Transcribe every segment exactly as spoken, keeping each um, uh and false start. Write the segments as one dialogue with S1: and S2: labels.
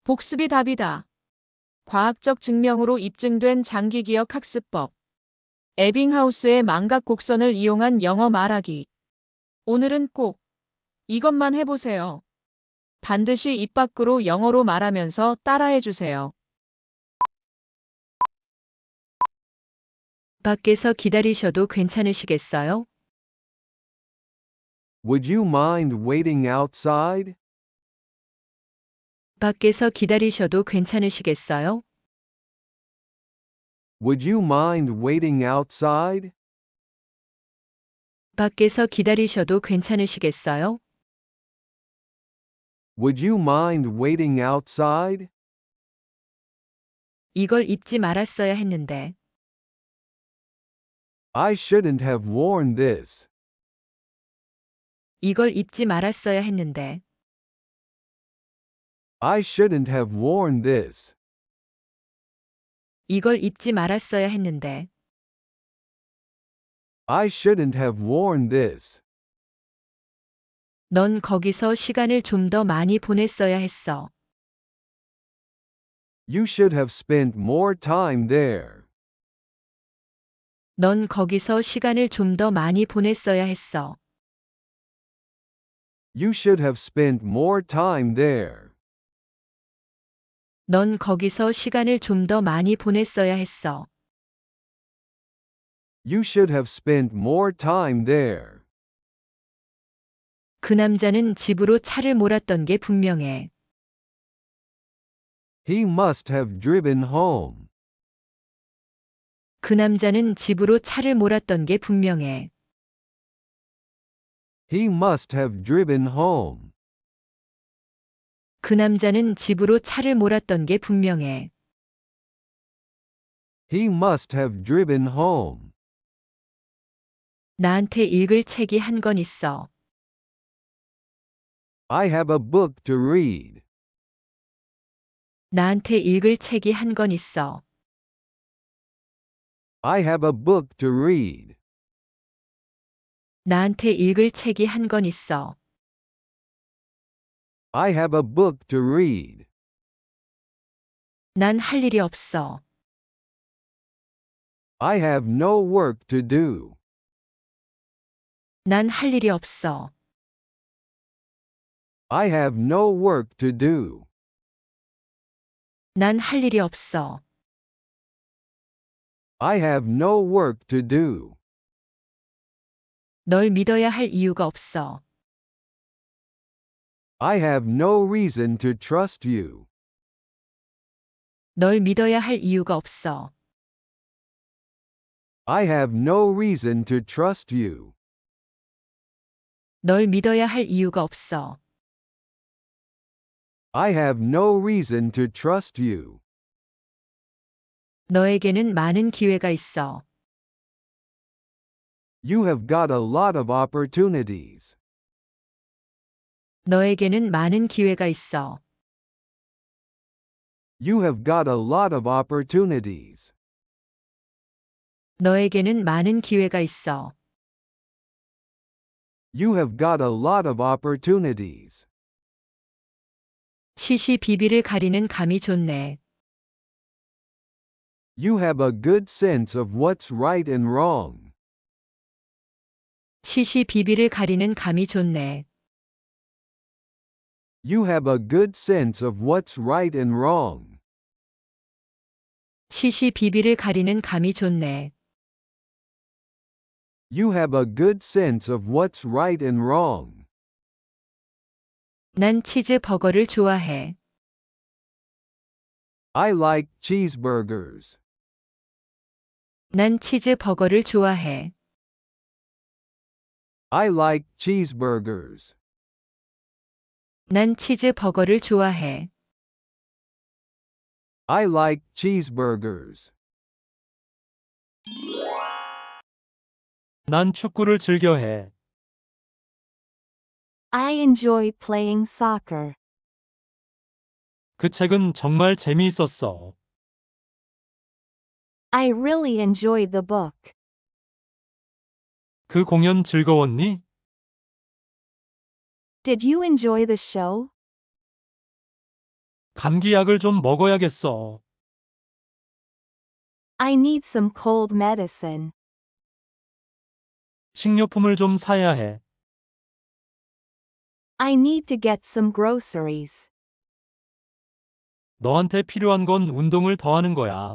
S1: 복습이 답이다. 과학적 증명으로 입증된 장기기억 학습법. 에빙하우스의 망각 곡선을 이용한 영어 말하기. 오늘은 꼭 이것만 해보세요. 반드시 입 밖으로 영어로 말하면서 따라해주세요.
S2: 밖에서 기다리셔도 괜찮으시겠어요?
S3: Would you mind waiting outside?
S2: 밖에서 기다리셔도 괜찮으시겠어요?
S3: Would you mind waiting outside?
S2: 밖에서 기다리셔도 괜찮으시겠어요?
S3: Would you mind waiting outside?
S2: 이걸 입지 말았어야 했는데.
S3: I shouldn't have worn this.
S2: 이걸 입지 말았어야 했는데.
S3: I shouldn't have worn this.
S2: 이걸 입지 말았어야 했는데.
S3: I shouldn't have worn this.
S2: 넌 거기서 시간을 좀 더 많이 보냈어야 했어.
S3: You should have spent more time there.
S2: 넌 거기서 시간을 좀 더 많이 보냈어야 했어.
S3: You should have spent more time there.
S2: 넌 거기서 시간을 좀 더 많이 보냈어야 했어.
S3: You should have spent more time there.
S2: 그 남자는 집으로 차를 몰았던 게 분명해.
S3: He must have driven home.
S2: 그 남자는 집으로 차를 몰았던 게 분명해.
S3: He must have driven home.
S2: 그 남자는 집으로 차를 몰았던 게 분명해.
S3: He must have driven home.
S2: 나한테 읽을 책이 한 권 있어.
S3: I have a book to read.
S2: 나한테 읽을 책이 한 권 있어.
S3: I have a book to read.
S2: 나한테 읽을 책이 한 권 있어.
S3: I have a book to read.
S2: 난 할 일이 없어.
S3: I have no work to do.
S2: 난 할 일이 없어.
S3: I have no work to do.
S2: 난 할 일이 없어.
S3: I have no work to do.
S2: 널 믿어야 할 이유가 없어.
S3: I have no reason to trust you.
S2: 널 믿어야 할 이유가 없어.
S3: I have no reason to trust you.
S2: 널 믿어야 할 이유가 없어.
S3: I have no reason to trust you.
S2: 너에게는 많은 기회가 있어.
S3: You have got a lot of opportunities.
S2: 너에게는 많은 기회가 있어.
S3: You have got a lot of opportunities.
S2: 너에게는 많은 기회가 있어.
S3: You have got a lot of opportunities.
S2: 시시비비를 가리는 감이 좋네.
S3: You have a good sense of what's right and wrong.
S2: 시시비비를 가리는 감이 좋네.
S3: You have a good sense of what's right and wrong.
S2: 시시비비를 가리는 감이 좋네.
S3: You have a good sense of what's right and wrong.
S2: 난 치즈버거를 좋아해.
S3: I like cheeseburgers.
S2: 난 치즈버거를 좋아해.
S3: I like cheeseburgers.
S2: 난 치즈버거를 좋아해.
S3: I like cheeseburgers.
S4: 난 축구를 즐겨해.
S5: I enjoy playing soccer.
S4: 그 책은 정말 재미있었어.
S5: I really enjoyed the book.
S4: 그 공연 즐거웠니?
S5: Did you enjoy the show?
S4: 감기약을 좀 먹어야겠어.
S5: I need some cold medicine.
S4: 식료품을 좀 사야 해.
S5: I need to get some groceries.
S4: 너한테 필요한 건 운동을 더 하는 거야.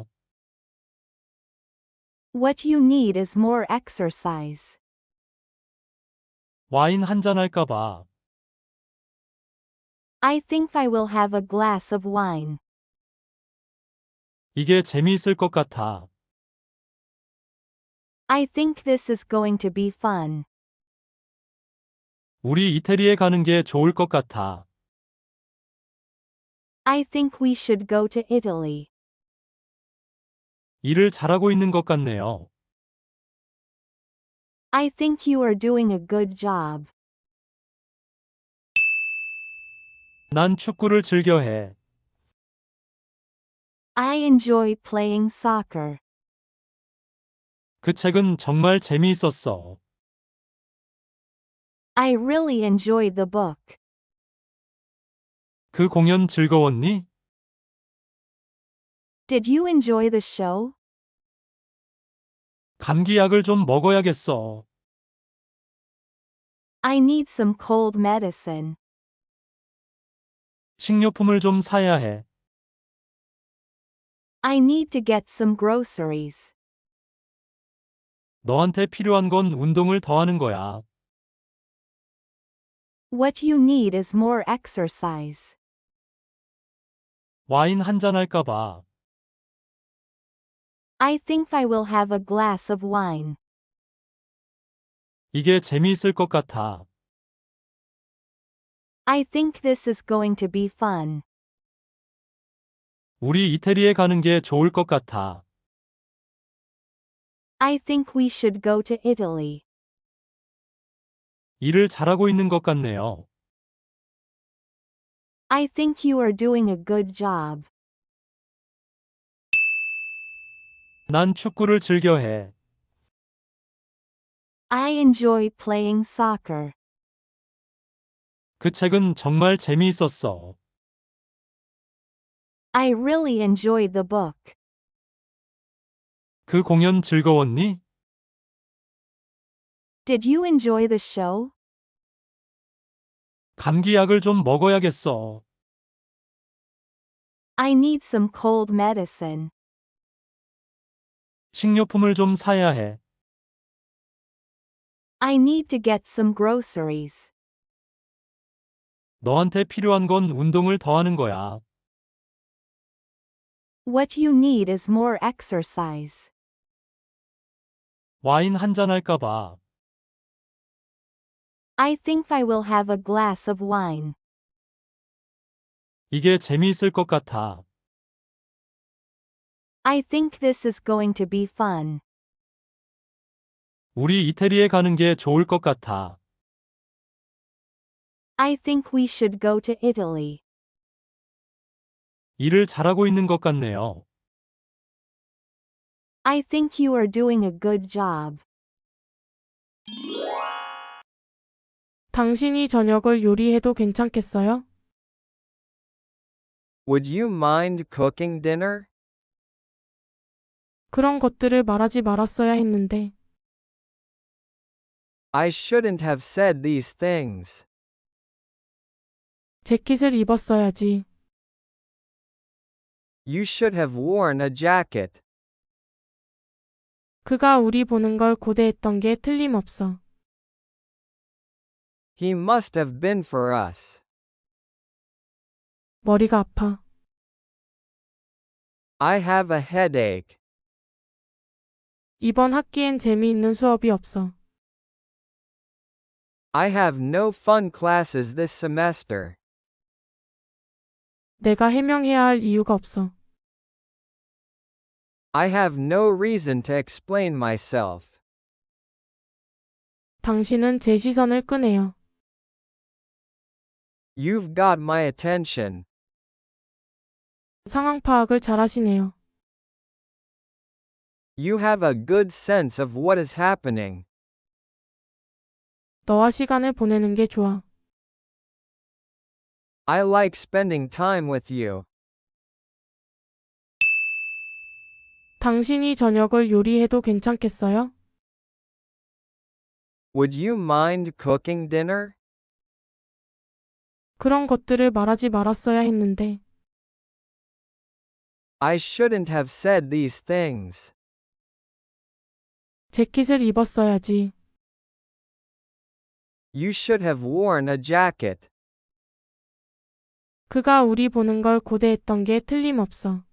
S5: What you need is more exercise.
S4: 와인 한잔 할까 봐.
S5: I think I will have a glass of wine.
S4: 이게 재미있을 것 같아.
S5: I think this is going to be fun.
S4: 우리 이태리에 가는 게 좋을 것 같아.
S5: I think we should go to Italy.
S4: 일을 잘하고 있는 것 같네요.
S5: I think you are doing a good job.
S4: 난 축구를 즐겨 해.
S5: I enjoy playing soccer.
S4: 그 책은 정말 재미있었어.
S5: I really enjoyed the book.
S4: 그 공연 즐거웠니?
S5: Did you enjoy the show?
S4: 감기약을 좀 먹어야겠어.
S5: I need some cold medicine.
S4: 식료품을 좀 사야 해.
S5: I need to get some groceries.
S4: 너한테 필요한 건 운동을 더 하는 거야.
S5: What you need is more exercise.
S4: 와인 한잔 할까 봐.
S5: I think I will have a glass of wine.
S4: 이게 재미있을 것 같아.
S5: I think this is going to be fun.
S4: 우리 이태리에 가는 게 좋을 것 같아.
S5: I think we should go to Italy.
S4: 일을 잘하고 있는 것 같네요.
S5: I think you are doing a good job.
S4: 난 축구를 즐겨 해.
S5: I enjoy playing soccer.
S4: 그 책은 정말 재미있었어.
S5: I really enjoyed the book.
S4: 그 공연 즐거웠니?
S5: Did you enjoy the show?
S4: 감기약을 좀 먹어야겠어.
S5: I need some cold medicine.
S4: 식료품을 좀 사야 해.
S5: I need to get some groceries.
S4: 너한테 필요한 건 운동을 더 하는 거야.
S5: What you need is more exercise.
S4: 와인 한잔 할까 봐.
S5: I think I will have a glass of wine.
S4: 이게 재미있을 것 같아.
S5: I think this is going to be fun.
S4: 우리 이태리에 가는 게 좋을 것 같아.
S5: I think we should go to Italy.
S4: 일을 잘하고 있는 것 같네요.
S5: I think you are doing a good job.
S6: 당신이 저녁을 요리해도 괜찮겠어요?
S7: Would you mind cooking dinner?
S6: 그런 것들을 말하지 말았어야 했는데.
S7: I shouldn't have said these things.
S6: 재킷을 입었어야지.
S7: You should have worn a jacket.
S6: 그가 우리 보는 걸 고대했던 게 틀림없어.
S7: He must have been for us.
S6: 머리가 아파.
S7: I have a headache.
S6: 이번 학기엔 재미있는 수업이 없어.
S7: I have no fun classes this semester.
S6: 내가 해명해야 할 이유가 없어.
S7: I have no reason to explain myself.
S6: 당신은 제 시선을 끄네요.
S7: You've got my attention.
S6: 상황 파악을 잘하시네요.
S7: You have a good sense of what is happening.
S6: 너와 시간을 보내는 게 좋아.
S7: I like spending time with you.
S6: 당신이 저녁을 요리해도 괜찮겠어요?
S7: Would you mind cooking dinner?
S6: 그런 것들을 말하지 말았어야 했는데.
S7: I shouldn't have said these things.
S6: 재킷을 입었어야지.
S7: You should have worn a jacket.
S6: 그가 우리 보는 걸 고대했던 게 틀림없어.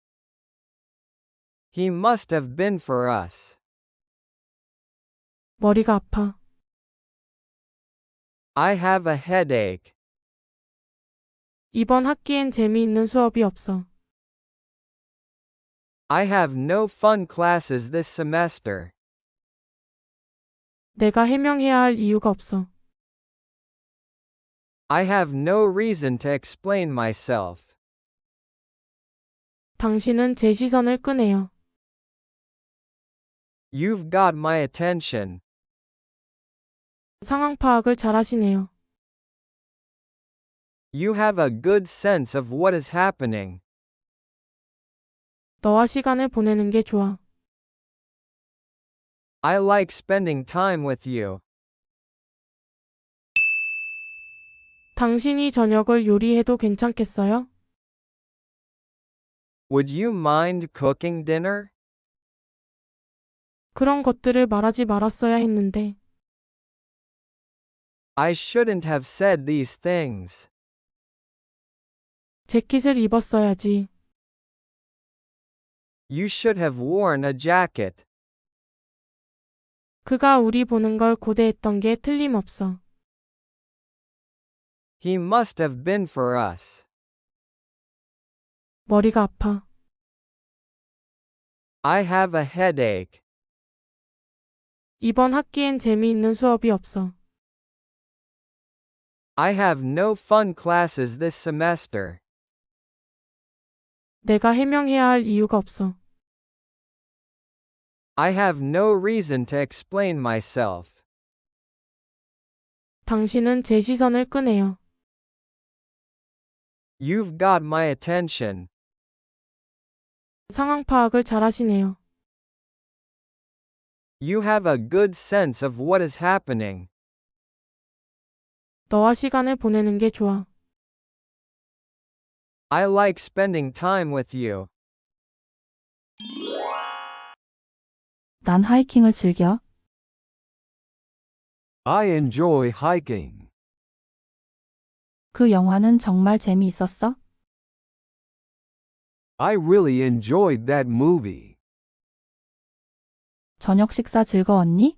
S7: He must have been for us.
S6: 머리가 아파.
S7: I have a headache.
S6: 이번 학기엔 재미있는 수업이 없어.
S7: I have no fun classes this semester.
S6: 내가 해명해야 할 이유가 없어.
S7: I have no reason to explain myself.
S6: 당신은 제 시선을 끄네요.
S7: You've got my attention.
S6: 상황 파악을 잘하시네요.
S7: You have a good sense of what is happening.
S6: 너와 시간을 보내는 게 좋아.
S7: I like spending time with you.
S6: 당신이 저녁을 요리해도 괜찮겠어요?
S7: Would you mind cooking dinner?
S6: 그런 것들을 말하지 말았어야 했는데.
S7: I shouldn't have said these things.
S6: 재킷을 입었어야지.
S7: You should have worn a jacket.
S6: 그가 우리 보는 걸 고대했던 게 틀림없어.
S7: He must have been for us.
S6: 머리가 아파.
S7: I have a headache.
S6: 이번 학기엔 재미있는 수업이 없어.
S7: I have no fun classes this semester.
S6: 내가 해명해야 할 이유가 없어.
S7: I have no reason to explain myself.
S6: 당신은 제 시선을 끄네요.
S7: You've got my attention.
S6: 상황 파악을 잘하시네요.
S7: You have a good sense of what is happening.
S6: 너와 시간을 보내는 게 좋아.
S7: I like spending time with you.
S8: 난 하이킹을 즐겨.
S3: I enjoy hiking.
S8: 그 영화는 정말 재미있었어?
S3: I really enjoyed that movie.
S8: 저녁 식사 즐거웠니?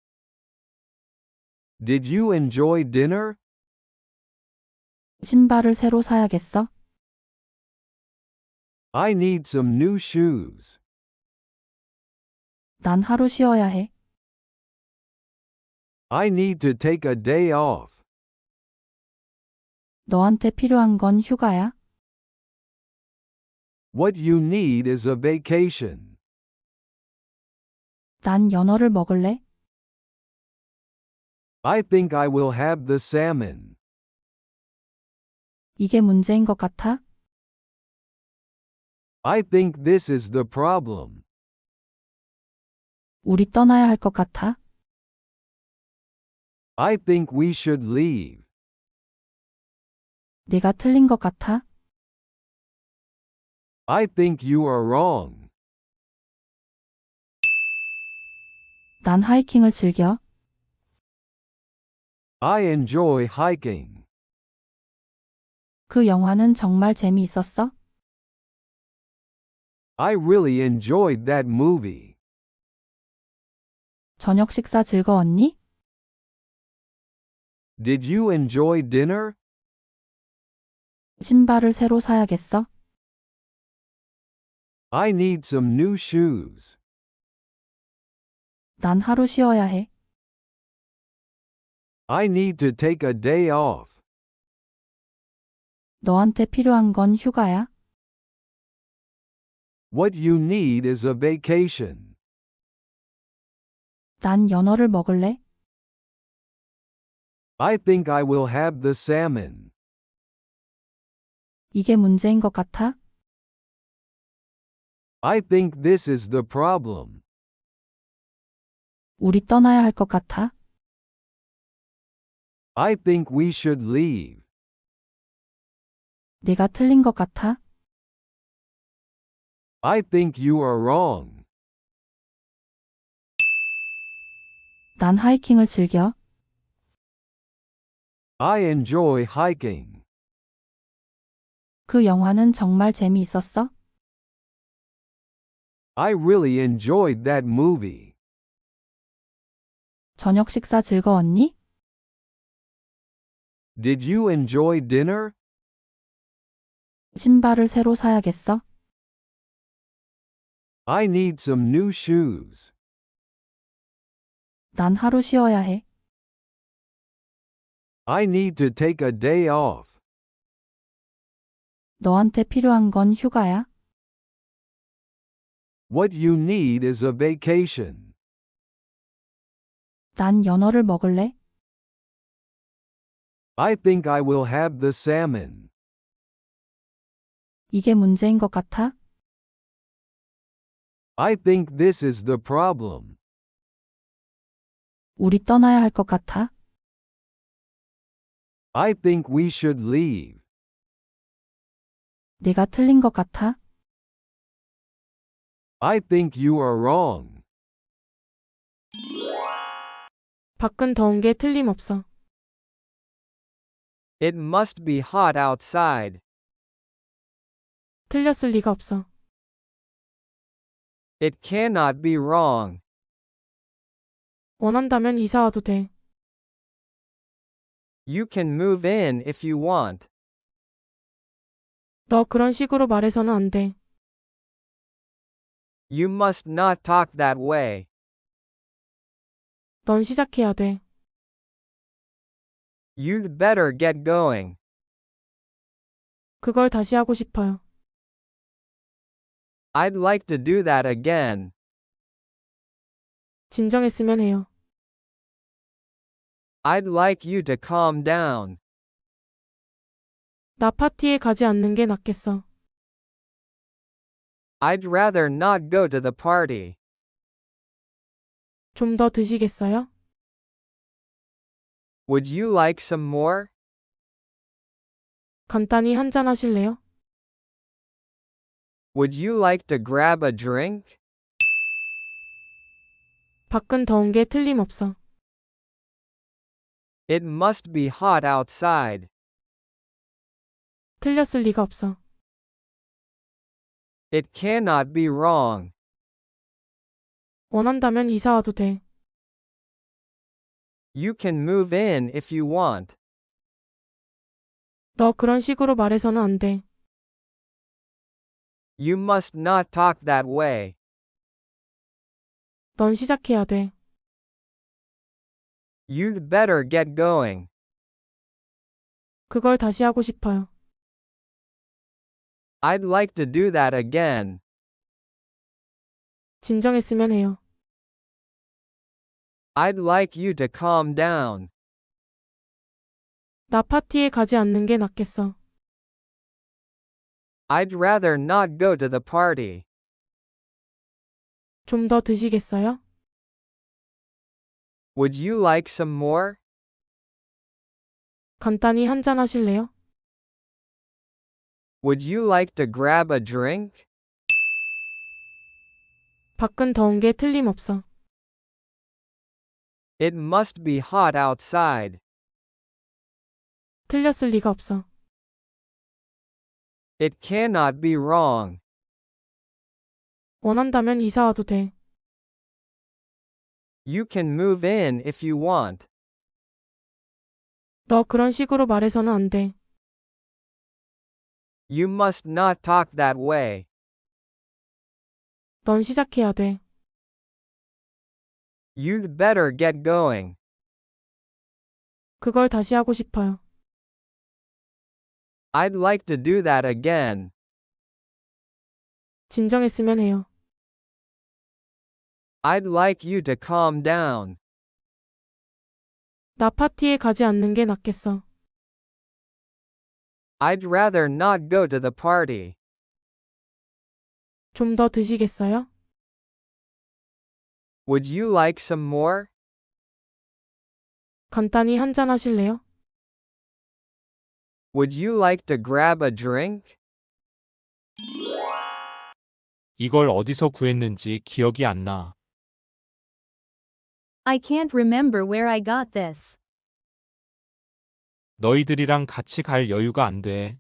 S3: Did you enjoy dinner?
S8: 신발을 새로 사야겠어?
S3: I need some new shoes.
S8: 난 하루 쉬어야 해.
S3: I need to take a day off.
S8: 너한테 필요한 건 휴가야?
S3: What you need is a vacation.
S8: 난 연어를 먹을래?
S3: I think I will have the salmon.
S8: 이게 문제인 것 같아?
S3: I think this is the problem.
S8: 우리 떠나야 할 것 같아?
S3: I think we should leave.
S8: 내가 틀린 것 같아?
S3: I think you are wrong.
S8: 난 하이킹을 즐겨.
S3: I enjoy hiking.
S8: 그 영화는 정말 재미있었어?
S3: I really enjoyed that movie.
S8: 저녁 식사 즐거웠니?
S3: Did you enjoy dinner?
S8: 신발을 새로 사야겠어?
S3: I need some new shoes.
S8: 난 하루 쉬어야 해.
S3: I need to take a day off.
S8: 너한테 필요한 건 휴가야?
S3: What you need is a vacation.
S8: 난 연어를 먹을래?
S3: I think I will have the salmon.
S8: 이게 문제인 것 같아?
S3: I think this is the problem.
S8: 우리 떠나야 할 것 같아?
S3: I think we should leave.
S8: 내가 틀린 것 같아?
S3: I think you are wrong.
S8: 난 하이킹을 즐겨.
S3: I enjoy hiking.
S8: 그 영화는 정말 재미있었어?
S3: I really enjoyed that movie.
S8: 저녁 식사 즐거웠니?
S3: Did you enjoy dinner?
S8: 신발을 새로 사야겠어?
S3: I need some new shoes.
S8: 난 하루 쉬어야 해.
S3: I need to take a day off.
S8: 너한테 필요한 건 휴가야?
S3: What you need is a vacation.
S8: 난 연어를 먹을래?
S3: I think I will have the salmon.
S8: 이게 문제인 것 같아?
S3: I think this is the problem.
S8: 우리 떠나야 할 것 같아?
S3: I think we should leave.
S8: 내가 틀린 것 같아?
S3: I think you are wrong.
S6: 밖은 더운 게 틀림없어.
S7: It must be hot outside.
S6: 틀렸을 리가 없어.
S7: It cannot be wrong.
S6: 원한다면 이사 와도 돼.
S7: You can move in if you want.
S6: 너 그런 식으로 말해서는 안 돼.
S7: You must not talk that way.
S6: 넌 시작해야 돼.
S7: You'd better get going.
S6: 그걸 다시 하고 싶어요.
S7: I'd like to do that again.
S6: 진정했으면 해요.
S7: I'd like you to calm down.
S6: 나 파티에 가지 않는 게 낫겠어.
S7: I'd rather not go to the party.
S6: 좀 더 드시겠어요?
S7: Would you like some more?
S6: 간단히 한잔 하실래요?
S7: Would you like to grab a drink?
S6: 밖은 더운 게 틀림없어.
S7: It must be hot outside.
S6: 틀렸을 리가 없어.
S7: It cannot be wrong.
S6: 원한다면 이사 와도 돼.
S7: You can move in if you want.
S6: 너 그런 식으로 말해서는 안 돼.
S7: You must not talk that way.
S6: 넌 시작해야 돼.
S7: You'd better get going.
S6: 그걸 다시 하고 싶어요.
S7: I'd like to do that again.
S6: 진정했으면 해요.
S7: I'd like you to calm down.
S6: 나 파티에 가지 않는 게 낫겠어.
S7: I'd rather not go to the party.
S6: 좀 더 드시겠어요?
S7: Would you like some more?
S6: 간단히 한잔 하실래요?
S7: Would you like to grab a drink?
S6: 밖은 더운 게 틀림없어.
S7: It must be hot outside.
S6: 틀렸을 리가 없어.
S7: It cannot be wrong.
S6: 원한다면 이사 와도 돼.
S7: You can move in if you want.
S6: 너 그런 식으로 말해서는 안 돼.
S7: You must not talk that way.
S6: 넌 시작해야 돼.
S7: You'd better get going.
S6: 그걸 다시 하고 싶어요.
S7: I'd like to do that again.
S6: 진정했으면 해요.
S7: I'd like you to calm down.
S6: 나 파티에 가지 않는 게 낫겠어.
S7: I'd rather not go to the party.
S6: 좀 더 드시겠어요?
S7: Would you like some more?
S6: 간단히 한잔 하실래요?
S7: Would you like to grab a drink?
S4: 이걸 어디서 구했는지 기억이 안 나.
S5: I can't remember where I got this.
S4: 너희들이랑 같이 갈 여유가 안 돼.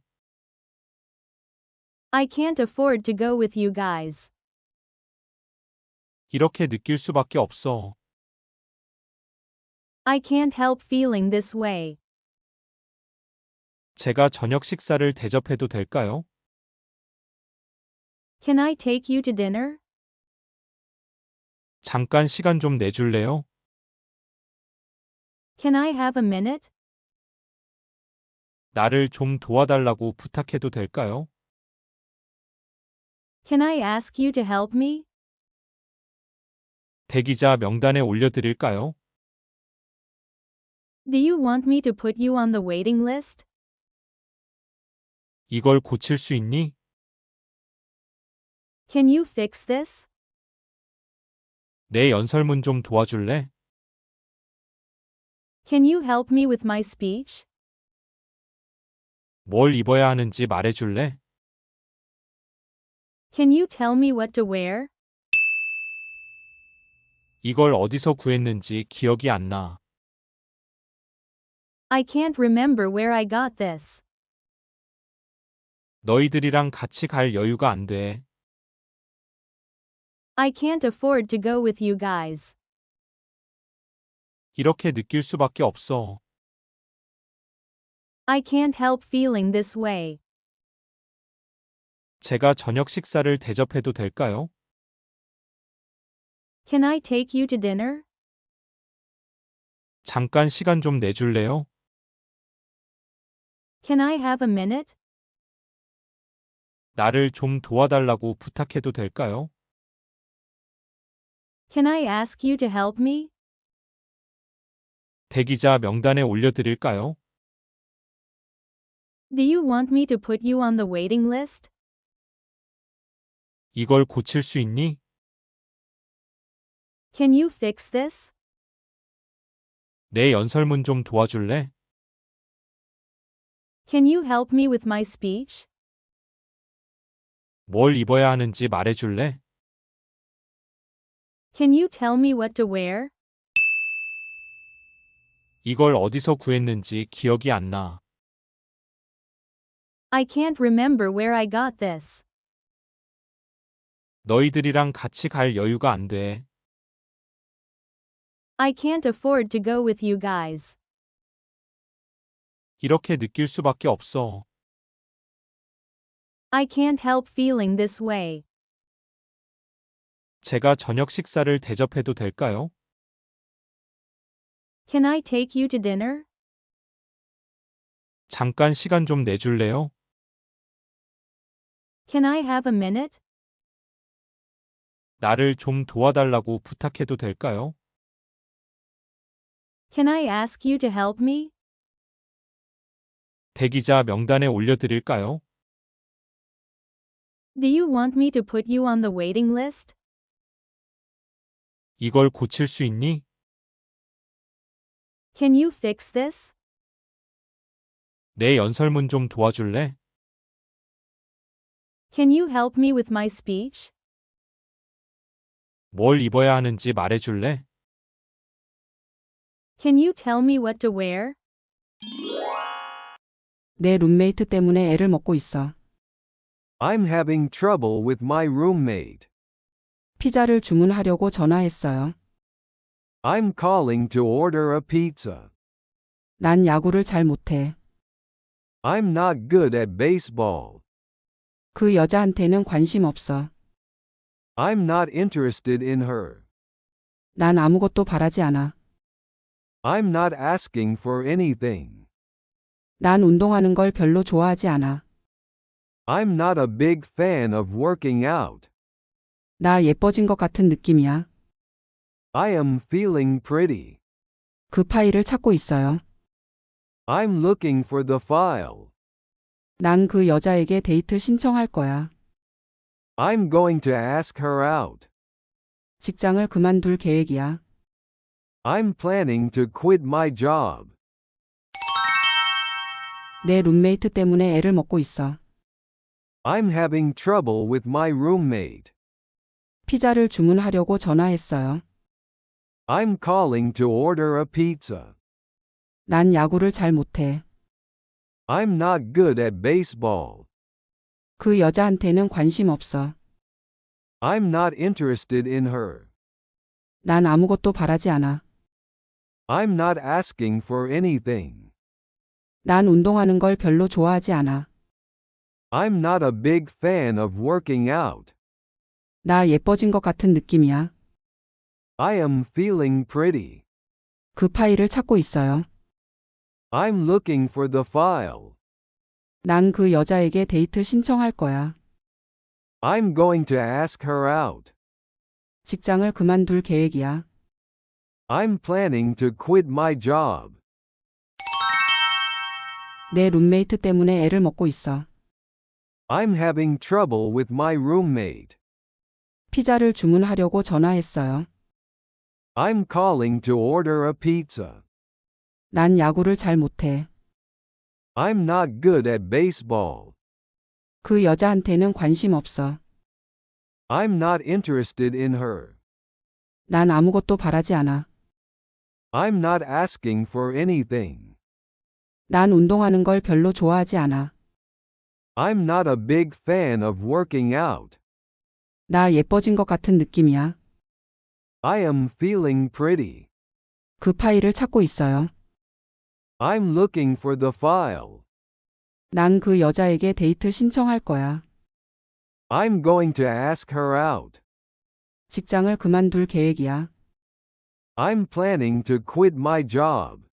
S5: I can't afford to go with you guys.
S4: 이렇게 느낄 수밖에 없어.
S5: I can't help feeling this way.
S4: 제가 저녁 식사를 대접해도 될까요?
S5: Can I take you to dinner?
S4: 잠깐 시간 좀 내줄래요?
S5: Can I have a minute?
S4: 나를 좀 도와달라고 부탁해도 될까요?
S5: Can I ask you to help me?
S4: 대기자 명단에 올려드릴까요?
S5: Do you want me to put you on the waiting list?
S4: 이걸 고칠 수 있니?
S5: Can you fix this?
S4: 내 연설문 좀 도와줄래?
S5: Can you help me with my speech?
S4: 뭘 입어야 하는지 말해줄래?
S5: Can you tell me what to wear?
S4: 이걸 어디서 구했는지 기억이 안 나.
S5: I can't remember where I got this.
S4: 너희들이랑 같이 갈 여유가 안 돼.
S5: I can't afford to go with you guys.
S4: 이렇게 느낄 수밖에 없어.
S5: I can't help feeling this way.
S4: 제가 저녁 식사를 대접해도 될까요?
S5: Can I take you to dinner?
S4: 잠깐 시간 좀 내줄래요?
S5: Can I have a minute?
S4: 나를 좀 도와달라고 부탁해도 될까요?
S5: Can I ask you to help me?
S4: 대기자 명단에 올려드릴까요?
S5: Do you want me to put you on the waiting list?
S4: 이걸 고칠 수 있니?
S5: Can you fix this?
S4: 내 연설문 좀 도와줄래?
S5: Can you help me with my speech?
S4: 뭘 입어야 하는지 말해줄래?
S5: Can you tell me what to wear?
S4: 이걸 어디서 구했는지 기억이 안 나.
S5: I can't remember where I got this.
S4: 너희들이랑 같이 갈 여유가 안 돼.
S5: I can't afford to go with you guys.
S4: 이렇게 느낄 수밖에 없어.
S5: I can't help feeling this way.
S4: 제가 저녁 식사를 대접해도 될까요?
S5: Can I take you to dinner?
S4: 잠깐 시간 좀 내줄래요?
S5: Can I have a minute?
S4: 나를 좀 도와달라고 부탁해도 될까요?
S5: Can I ask you to help me?
S4: 대기자 명단에 올려드릴까요?
S5: Do you want me to put you on the waiting list?
S4: 이걸 고칠 수 있니?
S5: Can you fix this?
S4: 내 연설문 좀 도와줄래?
S5: Can you help me with my speech?
S4: 뭘 입어야 하는지 말해줄래?
S5: Can you tell me what to wear?
S8: 내 룸메이트 때문에 애를 먹고 있어.
S3: I'm having trouble with my roommate.
S8: 피자를 주문하려고 전화했어요.
S3: I'm calling to order a pizza.
S8: 난 야구를 잘 못해.
S3: I'm not good at baseball.
S8: 그 여자한테는 관심 없어.
S3: I'm not interested in her.
S8: 난 아무것도 바라지 않아.
S3: I'm not asking for anything.
S8: 난 운동하는 걸 별로 좋아하지 않아.
S3: I'm not a big fan of working out.
S8: 나 예뻐진 것 같은 느낌이야.
S3: I am feeling pretty.
S8: 그 파일을 찾고 있어요.
S3: I'm looking for the file.
S8: 난 그 여자에게 데이트 신청할 거야.
S3: I'm going to ask her out.
S8: 직장을 그만둘 계획이야.
S3: I'm planning to quit my job.
S8: 내 룸메이트 때문에 애를 먹고 있어.
S3: I'm having trouble with my roommate.
S8: 피자를 주문하려고 전화했어요.
S3: I'm calling to order a pizza.
S8: 난 야구를 잘 못해.
S3: I'm not good at baseball.
S8: 그 여자한테는 관심 없어.
S3: I'm not interested in her.
S8: 난 아무것도 바라지 않아.
S3: I'm not asking for anything.
S8: 난 운동하는 걸 별로 좋아하지 않아.
S3: I'm not a big fan of working out.
S8: 나 예뻐진 것 같은 느낌이야.
S3: I am feeling pretty.
S8: 그 파일을 찾고 있어요.
S3: I'm looking for the file.
S8: 난 그 여자에게 데이트 신청할 거야.
S3: I'm going to ask her out.
S8: 직장을 그만둘 계획이야.
S3: I'm planning to quit my job.
S8: 내 룸메이트 때문에 애를 먹고 있어.
S3: I'm having trouble with my roommate.
S8: 피자를 주문하려고 전화했어요.
S3: I'm calling to order a pizza.
S8: 난 야구를 잘 못해.
S3: I'm not good at baseball.
S8: 그 여자한테는 관심 없어.
S3: I'm not interested in her.
S8: 난 아무것도 바라지 않아.
S3: I'm not asking for anything.
S8: 난 운동하는 걸 별로 좋아하지 않아.
S3: I'm not a big fan of working out.
S8: 나 예뻐진 것 같은 느낌이야.
S3: I am feeling pretty.
S8: 그 파일을 찾고 있어요.
S3: I'm looking for the file.
S8: 난 그 여자에게 데이트 신청할 거야.
S3: I'm going to ask her out.
S8: 직장을 그만둘 계획이야.
S3: I'm planning to quit my job.